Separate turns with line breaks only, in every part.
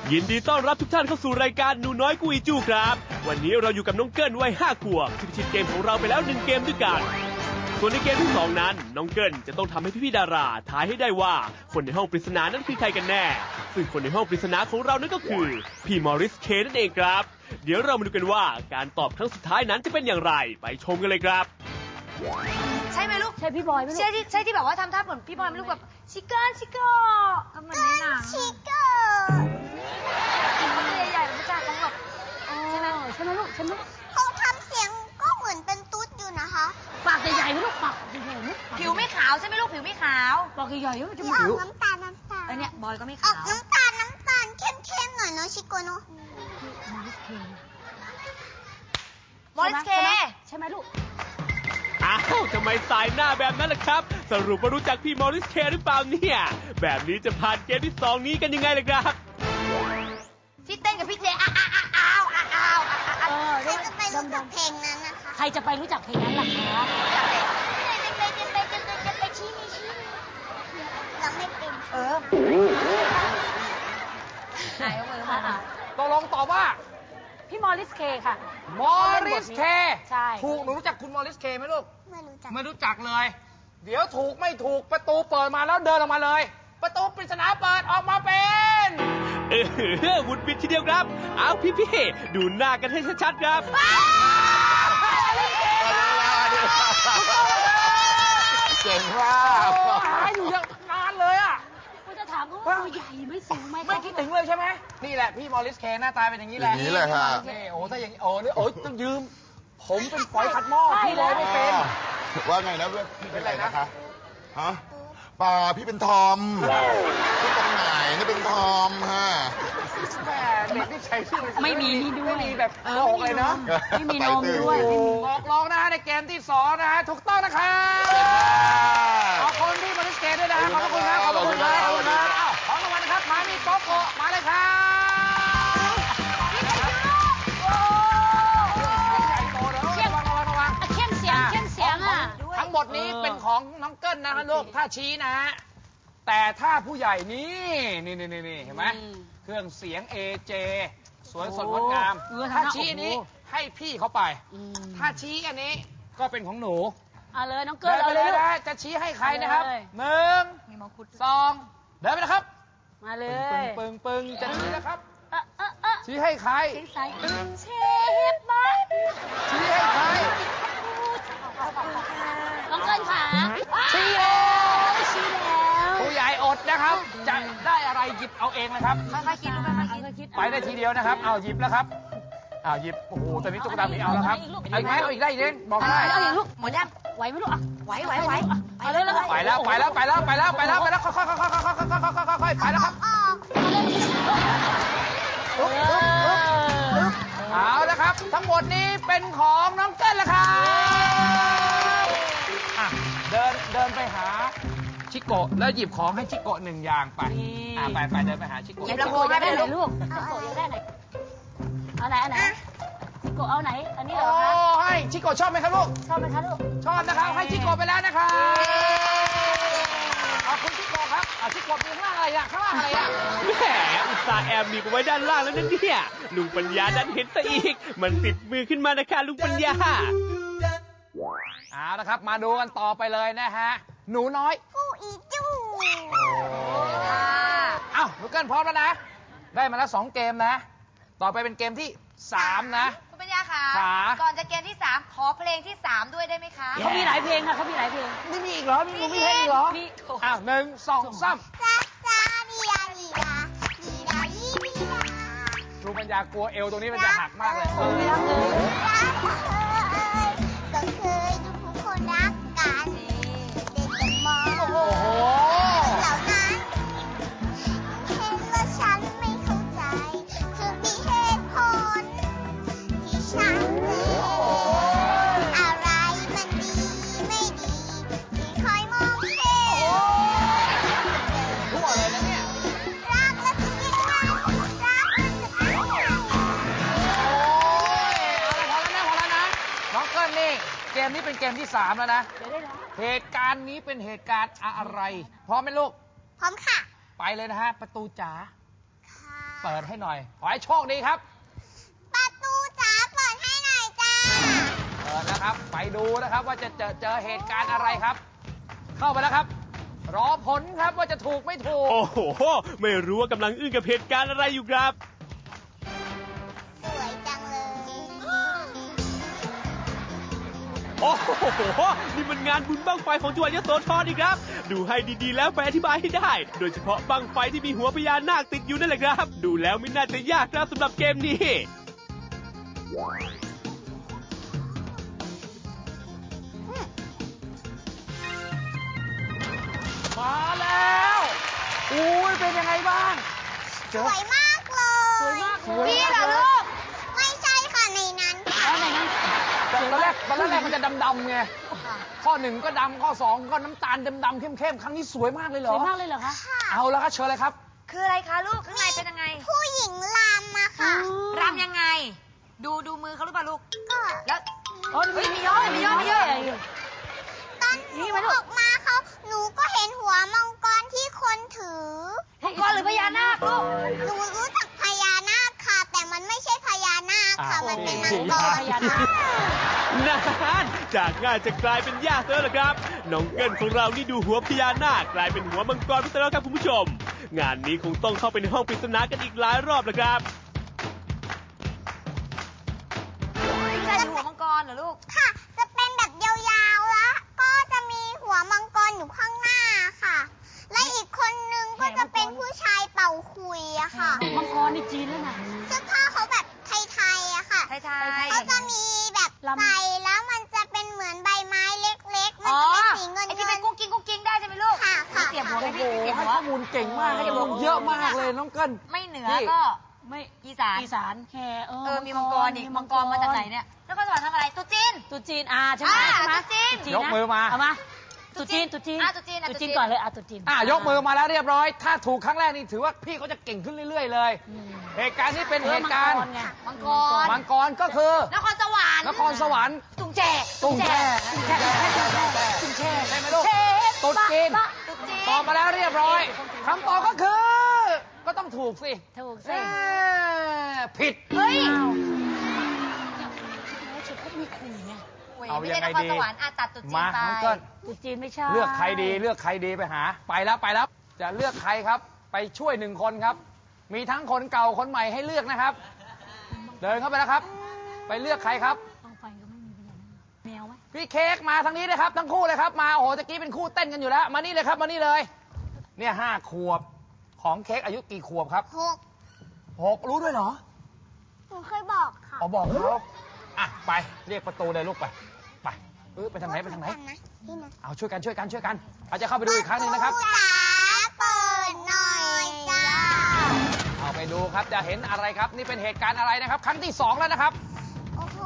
ยินดีต้อนรับทุกท่านเข้าสู่รายการหนูน้อยกุยจูครับวันนี้เราอยู่กับน้องเกิ้ลวัย5 ขวบที่พิชิตเกมของเราไปแล้ว1 เกมด้วยกันส่วนในเกมที่2นั้นน้องเกิ้ลจะต้องทำให้พี่ๆดาราทายให้ได้ว่าคนในห้องปริศนานั้นคือใครกันแน่ซึ่งคนในห้องปริศนาของเรานั่นก็คือพี่มอริสเคนั่นเองครับเดี๋ยวเรามาดูกันว่าการตอบครั้งสุดท้ายนั้นจะเป็นอย่างไรไปชมกันเลยครับ
ใช่ไหมลูก
ใช่พี่บอยไหมลูก
ใช่ที่แบบว่าทำท่าเหมือนพี่บอยไหมลูกแบบชิคเก้นชิคเก้ทำเหมือนในหนังชิคเก้ใหญ่ๆไม่ใช่เขาแบบใช่ไหม
ลูกใช่ไหม
เขาทำเสียงก็เหมือนเป็นตุ๊ดอยู่นะคะ
ปากใหญ่ๆไหมลูกปากใหญ่ๆไหม
ผิวไม่ขาวใช่ไหมลูกผิวไม่ขาว
ปากใหญ่ๆมันจะมี
ผิวน้ำตาล
เนี่ยบอยก็ไม่
ออ
ขาก ว
น้ำตาลเข้มๆหน่อยเนาะชิโกเนาะ
มอริสเค
ใช่ไหมลูก
อ้าวทำไมสายหน้าแบบนั้นล่ะครับสรุปว่ารู้จักพี่มอริสเคหรือเปล่าเนี่ยแบบนี้จะผ่านเกมที่2นี้กันยังไงล่ะครับ
ที่เต้นกับพี่เจใคร
จะไปรู้จักเพลงนั้นนะคะ
ใครจะไปรู้จักเพลงนั้นล่ะคะ
เราไม่เป็น
ไหนเอามือมา
ตกลงตอบว่า
พี่มอริสเคค่ะ
มอริสเค
ใช่
ถูกหนูรู้จักคุณมอริสเคไหมลูก
ไม่รู้จัก
เลยเดี๋ยวถูกไม่ถูกประตูเปิดมาแล้วเดินออกมาเลยประตูปริศนาเปิดออกมาเป็น
วุฒิบิดทีเดียวครับเอาพี่ดูหน้ากันให้ชัดๆครับ
เก่งมากอยู่ยังนานเลยอ่ะ
กูจะถามเขาว่าตัวใหญ่ไม่สูงไหม
ไม่คิดถึงเลยใช่ไหมนี่แหละพี่มอริสเคหน้าตาเป็นอย่างนี้แหละ
อย่างนี้เลยค่ะ
นี่โอ้ถ้าอย่างนี้โอ้นี่โอ้ต้องยืมผมเป็นฝอยขัดหม้อพี่เลยไม่เป็น
ว่าไงนะพี่เป็นอะไรนะคะฮะป่าพี่เป็นทอมพี่ตรงไหนนี่เป็นทอมฮะ
แม่เด็กที่ใช้ชื่อ
ไม่มีนี่ด้วย
ไม่มีแบบโกเลยเนาะ
ไม่มีนมด้วย
บอกลองนะฮะในเกมที่2นะฮะถูกต้องนะครับขอบคุณพี่มอริสเคด้วยนะขอบคุณครับขอบคุณครับขอบคุณครับของรางวัลนะครับมามีโกโก้มาเลยครับ
เข้มเสียงอ่ะ
ทั้งหมดนี้เป็นของน้องเกิ้ลนะลูกถ้าชี้นะฮะแต่ถ้าผู้ใหญ่นี่เห็นไหมเครื่องเสียง AJ สวยสดงดงามถ้าชี้อันนี้ให้พี่เขาไปถ้าชี้อันนี้ก็เป็นของหนู
เอาเลยน้องเกิ้ลเอา
เลยนะจะชี้ให้ใครนะครับ1 2เดินไปนะครับ
มาเลย
ปึ้งจะชี้นะครับชี้ให้ใคร
เชฟบ้า
ชี้ให้ใคร
น้องเกิ้ลขา
ชี้แล้วผู้ใหญ่อดนะครับจะได้อะไรหยิบเอาเองนะครับ
ค่อยๆคิด
ไปได้ทีเดียวนะครับเอาหยิบแล้วครับเอาหยิบโอ้โหตอนนี้ตุ๊กตาหมีเอาแล้วครับอีกไหมเอาอีกได้อีกเด้งบอกได้
เอาอีกลูก
หมดยัง
ไหวไหมลูกอ่ะ
ไหว
เอาเลย
ไปแล้วค่อยๆไปแล้วครับเอาแล้วครับทั้งหมดนี้เป็นของน้องเกิ้ลแล้วครับเดินไปหาชิโกะแล้วหยิบของให้ชิโกะ1 อย่างไปไปเดินไปหาชิโกะ
หยิบลำโพงได้ไหน
ลูกชิโกะอยากได้ไหนเอาไหนชิโกะเอาไหนอันนี้เหรอคะ
ให้ชิโกะชอบไหมครับลูก
ชอบไหมคะลูก
ชอบนะครับให้ชิโกะไปแล้วนะครับขอบคุณชิโกะครับชิโกะมีข้างล่างอะไรอ่ะแ
หมอุตส่าห์แอบมีไว้ด้านล่างแล้วนั่นเนี่ยลุงปัญญาดันเห็นซะอีกมันติดมือขึ้นมานะคะลุงปัญญา
เอาละครับมาดูกันต่อไปเลยนะฮะหนูน้อย
กูอีจู
หนูเกิ้ลพร้อมแล้วนะได้มาแล้ว2 เกมนะต่อไปเป็นเกมที่3นะ
คุณปัญญาค่ะก่อนจะเกมที่3ขอเพลงที่3ด้วยได้ไหมคะ
เขามีหลายเพลงค่ะเขามีหลายเพลง
นี่มีอีกเหรอมีเพลงอีกเหรอ1 2 3ครูปัญญากลัวเอวตรงนี้มันจะหักมากเลย
ก็เคยดูคนรักกันเด็กกันมองเหล่านั้นเห็นว่าฉันไม่เข้าใจคือมีเหตุผลที่ฉันอะไรมันดีไม่ดีที่คอยมองเห็น
ทั่วเลยนะเนี่ย
รักและจะยังไงรักมันจะเป็นยังไง
พอแล้วนะน้องเกิ้ลนี่เกมนี้เป็นเกมที่3แล้วนะเหตุการณ์นี้เป็นเหตุการณ์อะไรพร้อมไหมลูก
พร้อมค่ะ
ไปเลยนะฮะประตูจ๋า
ค่ะ
เปิดให้หน่อย ขอให้โชคดีครับ
ประตูจ๋าเปิดให้หน่อยจ้า
เปิดนะครับ ไปดูนะครับว่าจะเจอเหตุการณ์อะไรครับ เข้าไปแล้วครับ รอผลครับว่าจะถูกไม่ถูก
โอ้โห ไม่รู้ว่ากำลังอึ้งกับเหตุการณ์อะไรอยู่ครับ
สวยจังเลย
โอ้โห นี่มันงานบุญบั้งไฟของจังหวัดยโสธรนี่ครับ ดูให้ดีๆแล้วไปอธิบายให้ได้ โดยเฉพาะบั้งไฟที่มีหัวพญานาคติดอยู่นั่นแหละครับ ดูแล้วไม่น่าจะยากครับสำหรับเกมนี้
มาแล้วอุ้ยเป็นยังไงบ้าง
สวยมากเลย
สวยมาก
สวย
นี่
มาก
เหรอลูก
ไม่ใช่ค่ะในนั้นค่ะ
แล้วไหนนั้น
ตอนแรกมันจะดำๆไง ข้อหนึ่งก็ดำข้อสองก็น้ำตาลดำๆเข้มๆ ครั้งนี้สวยมากเลยเหร
ส
อ
วยมากเลยเหรอคะ
ค่ะ
เอาแล้วครับเชิญเลยครับ
คืออะไรคะลูก ข้างในเป็นยังไง
ผู้หญิงลำมาค่ะ
รำยังไง ดูมือเขาหรือเปล่าลูก
ก็
แล้ว
โอ้
เฮ้ยมีย่อมีย่อ
ตอนหนูออกมาหนูก็เห็นหัวมังกรที่คนถือ
มังกรหรือพญานาคลูก
หนูรู้จักพญานาคค่ะ แต่มันไม่ใช่พญานาคค่ะ มันเป็นมังกร
พญานาค
นานจากง่ายจะกลายเป็นยากแล้วล่ะครับ น้องเกิลของเรานี่ดูหัวพญานาคกลายเป็นหัวมังกรไปแล้วครับคุณผู้ชม งานนี้คงต้องเข้าไปในห้องปริศนากันอีกหลายรอบแล้วครับ
พี่ชายดูหัวมังกรเหรอลูก
ค่ะ จะเป็นแบบยาวๆแล้วก็จะมีหัวมังกรอยู่ข้างหน้าค่ะ และอีกคนนึงก็จะเป็นผู้ชายเป่าคุยอะค่ะ
มังกรนี่จีนแล้วนะ
เสื้อผ้าเขาแบบไทยๆอะค่ะ
ไทย
เขาจะมีแบบ
ลำ
ใส่แล้วมันจะเป็นเหมือนใบไม้เล็กๆ มัน
อ๋อ
จะเป็นสีเงิน
ไอ้ที่
เงิ
เป็น นกุ้งกิ้งได้ใช่ไหมลูก
ค่ะค่ะ
เสียบหัว
โอ้
ไหม
โห
พี่เสียบ
ให้
หัว
ข้อมูลเก่งมากให้ข้อมูลเยอะมากเลยน้องเกิล
ไม่เหนือ
นี่
ก็
ไม่
อีสาน
อีสานแค่
มีมังกรอีกมังกรมาจากไหนเนี่ย แล้วก็สวรรค์ทำอะไรตุ๊จีน
ตุจีนใช่ไหม
อ่า
ใช่ไหม
ตุ๊จีน
ตุ๊
ยกมือมา
เอามาตุจีน
ตุ๊จีนอ่ะตุ๊จีน
ตุจีนก่อนเลยตุจีน
ยกมือมาแล้วเรียบร้อย ถ้าถูกครั้งแรกนี่ถือว่าพี่เขาจะเก่งขึ้นเรื่อยๆเลย
อืม
เหตุการณ์นี้เป็นเหตุการณ์
มังไง
มังกร
มังกรก็คือน
ครสวรรค์
นครสวรรค์
ตุงแจ
ตุ้งแช่
ตุงแช่
ใช่ไหมลูกตุ๊ดจีน
ตุ๊จีน
ตอบมาแล้วเรียบร้อยคำตอบก็คือ ก็ต้องถูกสิ
ถูก
เอ้
สิ
ผิด
เฮ้ย
แล้วชุดเขามีคุยไง
เอา
ไม่
ยั
ใช่
งไง
นคร
ดี
สวรรค์ตัดตุ๊จีน
มา
ไป
น้องเกิ้ล
ตุจีนไม่ใช่
เลือกใครดีไปหา ไปแล้ว จะเลือกใครครับ ไปช่วยหนึ่งคนครับ มีทั้งคนเก่าคนใหม่ให้เลือกนะครับ เดินเข้าไปแล้วครับ ไปเลือกใครครับ
ต้องไฟก็ไม่มีพญานาคแมวไหม
พี่เค้กมาทางนี้เลยครับทั้งคู่เลยครับมาโอ้โหตะกี้เป็นคู่เต้นกันอยู่แล้ว มานี่เลยครับมานี่เลย เนี่ย5 ขวบของเค้กอายุกี่ขวบครับ 6รู้ด้วยเหรอ
หนูเคยบอกค่ะ
อ๋อบอกเขาอ่ะไปเรียกประตูเลยลูกไปไปทางไหนไปทางไหน
นะนี่นะ
เอาช่วยกันอาจจะเข้าไปดูอีกครั้งหนึ่งนะครับ
ประตูจ๋าเปิดหน่อยจ้า
เอาไปดูครับจะเห็นอะไรครับ นี่เป็นเหตุการณ์อะไรนะครับ ครั้งที่ 2 แล้วนะครับ
โอ้โห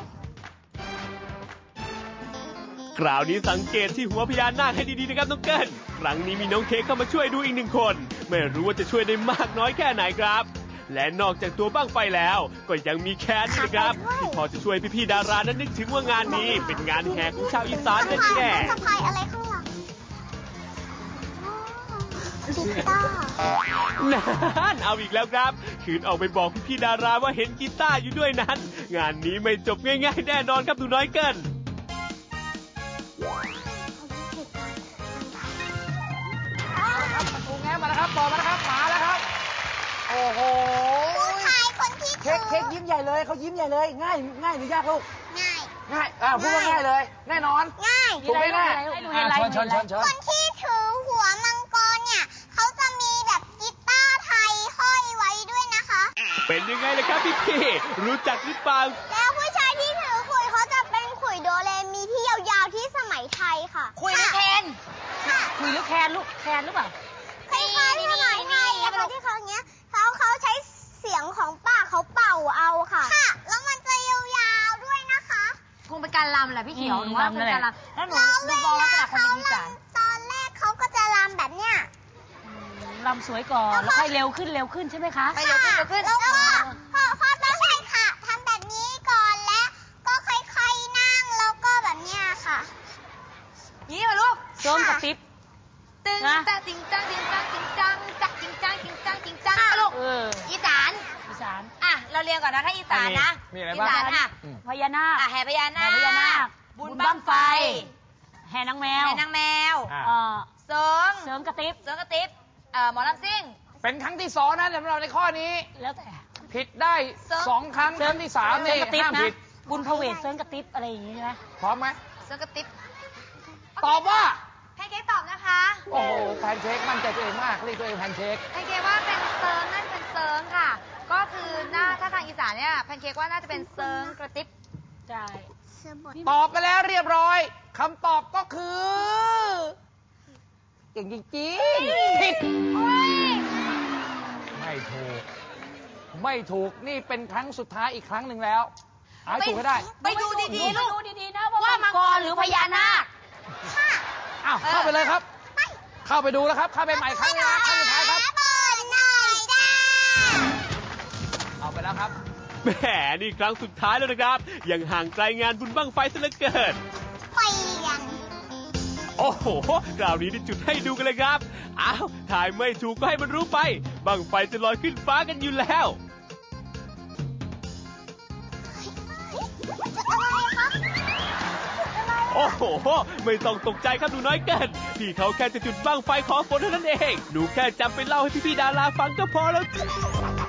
คราวนี้สังเกตที่หัวพญานาคให้ดีๆนะครับน้องเกิลครั้งนี้มีน้องเค้กเข้ามาช่วยดูอีก1 คน ไม่รู้ว่าจะช่วยได้มากน้อยแค่ไหนครับ และนอกจากตัวบ้างไฟแล้ว ก็ยังมีแคนนี่นะครับที่พอจะช่วยพี่ๆดารานั้นนึกถึงว่างานนี้เป็นงานแห่ของชาวอีสานนั่นแน่
สะพายอะไรข้างหลังกีตาร์
นั่นเอาอีกแล้วครับ คืนออกไปบอกพี่ๆดาราว่าเห็นกีตาร์อยู่ด้วยนั้น งานนี้ไม่จบง่ายๆแน่นอนครับหนูน้อยเกิน
ประตูแง้มมาแล้วครับเปิดมาแล้วครับมาแล้วครับ โอ้โห
ผู้ชายคนที่ถื
เค้กยิ้มใหญ่เลยเขายิ้มใหญ่เลย ง่ายหรือยากลูก
ง่าย
พูดว่าง่ายเลย แน่นอน
ง่าย
ถูกไหมแม่
ให้ดูไฮไลท์
เชิญ
คนที่ถือหัวมังกรเนี่ยเขาจะมีแบบกีตาร์ไทยห้อยไว้ด้วยนะคะ
เป็นยังไงล่ะครับพี่ๆรู้จักหรือเปล่า
แล้วผู้ชายที่ถือขุยเขาจะเป็นขุยโดเรมีที่ยาวๆที่สมัยไทยค่ะ
คุยหรือแคน
ค่ะ
คุยหรือแคนลูกแคนหรือเปล่า
คล้ายๆสมัยไทยอะค่ะที่เขาเนี้ยเขาใช้เสียงของปากเขาเป่าเอาค่ะ ค่ะ แล้วมันจะยาวๆด้วยนะคะ
คงเป็นการรำแหละพี่เขียวหนูว่า
รำ
เป็นการรำแล้วหนู
แล้ว
ดู
เว
มองลักษ
ลา
ณะคน
เขา
เป็นอีสาน
รำตอนแรกเขาก็จะรำแบบเนี้ย
ลำสวยก่อน แล้วค่อยเร็วขึ้นใช่ไหมคะ
ไปเร็วขึ้น
แล้วก็พอต้องใช่ค่ะทำแบบนี้ก่อนและก็ค่อยๆนั่งแล้วก็แบบเนี้ยค่ะ
ยี่มาลูก
โจมกับติ๊บ
ตึง
นะ
จ้าจริงจังจริงจังจริงจังจักจริงจังจริงจังจริงจังลูก
เออ
อีสเราเรียนก่อนนะถ้าอีสานนะ
มีอะไร
อี
บ้าง
สานอ่ะ
พญานาค
แห่พญานา
แห่พญานา
ค
ค
บุญบั้งไฟ
แห่นางแมว
แห่นางแมว
อ่า
เสริง
เสริมกระติบ
เสริงกระติบหมอลำซิ่ง
เป็นครั้งที่2นะสำหรับในข้อนี้
แล้วแต่
ผิดได้2 ครั้งครั้งที่3นี่
กระติบ
ห้าม
นะ
ผิด
บุญพเวทเสริมกระติบอะไรอย่างงี้ใช่ไหม
พร้อมไหม
เสริงกระติบ
ตอบว่า
แพนเค้กตอบนะคะ
โอ้โหแพนเค้กมั่นใจตัวเองมากเรียกตัวเองแพนเค้ก
แพนเค้กว่าเป็นเสริงนั่นเป็นเสริงค่ะ ก็คือถ้าทางอีสานเนี่ยแพนเค้กว่าน่าจะเป็นเสริงกระติบ
ใช่
ตอบไปแล้วเรียบร้อยคำตอบก็คือเก่งจริงๆผิดไม่ถูกนี่เป็นครั้งสุดท้ายอีกครั้งหนึ่งแล้วเอาให้ถูกให้ได้
ไปดูดีๆลูก
ดูดีๆนะว่า
ว่า
มั
มั
ง
ง
ก
ก
ร
ร
ห
ห
รื
รือ อ
พ
พ
ญา
ญา
นา
นา
ค
ค
อ้าวเข้าไปเลยครับ เข้าไปดูแล้วครับ เข้าไปใหม่ครั้งนะครั้งสุดท้ายครับ เอาไปแล้วครับ
แหมนี่ครั้งสุดท้ายแล้วนะครับ ยังห่างไกลงานบุญบั้งไฟซะเหลือเกิน โอ้โหคราวนี้ได้จุดให้ดูกันเลยครับ อ้าว ถ่ายไม่ถูกก็ให้มันรู้ไป บั้งไฟจะลอยขึ้นฟ้ากันอยู่แล้ว โอ้โห ไม่ต้องตกใจครับหนูน้อยเกิน พี่เขาแค่จะจุดบั้งไฟขอฝนเท่านั้นเอง หนูแค่จำไปเล่าให้พี่ๆดาราฟังก็พอแล้ว